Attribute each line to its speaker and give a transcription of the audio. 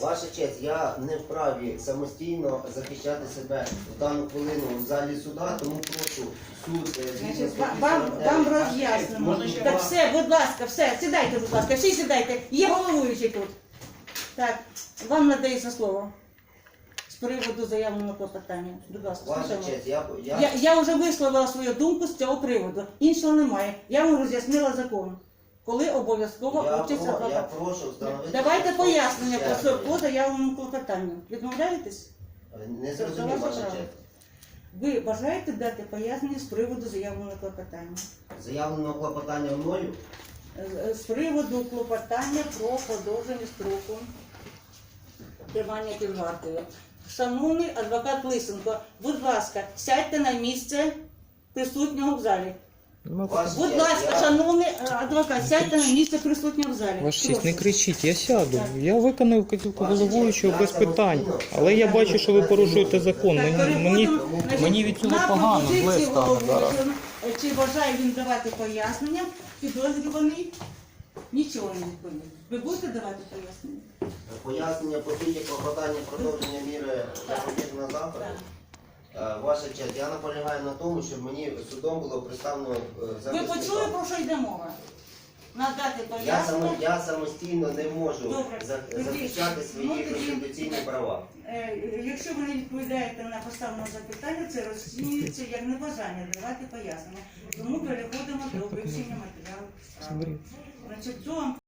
Speaker 1: Ваша честь, я не вправі самостійно захищати себе в дану хвилину в залі суда, тому прошу суд
Speaker 2: Значить, вам роз'яснимо. Так, все, будь ласка, все, сідайте, будь ласка, всі сідайте. Є головуючий тут. Так, вам надається слово. З приводу заявленого клопотання. Будь ласка,
Speaker 1: Ваша
Speaker 2: слухаємо.
Speaker 1: честь,
Speaker 2: Я вже висловила свою думку з цього приводу. Іншого немає. Я вам роз'яснила закон. Коли обов'язково участь
Speaker 1: я
Speaker 2: адвоката.
Speaker 1: прошу встановити...
Speaker 2: Давайте пояснення по заявленому клопотанню. Відмовляєтесь?
Speaker 1: Не зрозумів, ваша честь.
Speaker 2: Ви бажаєте дати пояснення з приводу заявленого клопотання?
Speaker 1: Заявленого клопотання мною?
Speaker 2: З приводу клопотання про продовження строку тримання під вартою. Шановний адвокат Лисенко, будь ласка, сядьте на місце присутнього в залі. Будь ласка, шановний адвокат, сядьте на місце присутнього в залі.
Speaker 3: Ваша честь, не кричіть, я сяду. Я виконаю вказівку головуючого без питань. Але я бачу, що ви порушуєте закон. Мені від цього погано, зле стане зараз.
Speaker 2: Чи бажає він давати пояснення? Підозрюваний нічого не відповів. Ви будете давати пояснення?
Speaker 1: Пояснення по суті клопотання продовження міри запобіжного заходу. Ваша честь, я наполягаю на тому, щоб мені судом було представлено
Speaker 2: Ви
Speaker 1: захисника.
Speaker 2: почули, про що йде мова? Надати пояснення?
Speaker 1: Я самостійно не можу
Speaker 2: Добре.
Speaker 1: захищати свої
Speaker 2: Ну, тоді-
Speaker 1: конституційні права.
Speaker 2: Якщо ви не відповідаєте на поставлене запитання, це розцінюється як небажання давати пояснення. Тому переходимо до вивчення матеріалу справи. Значить,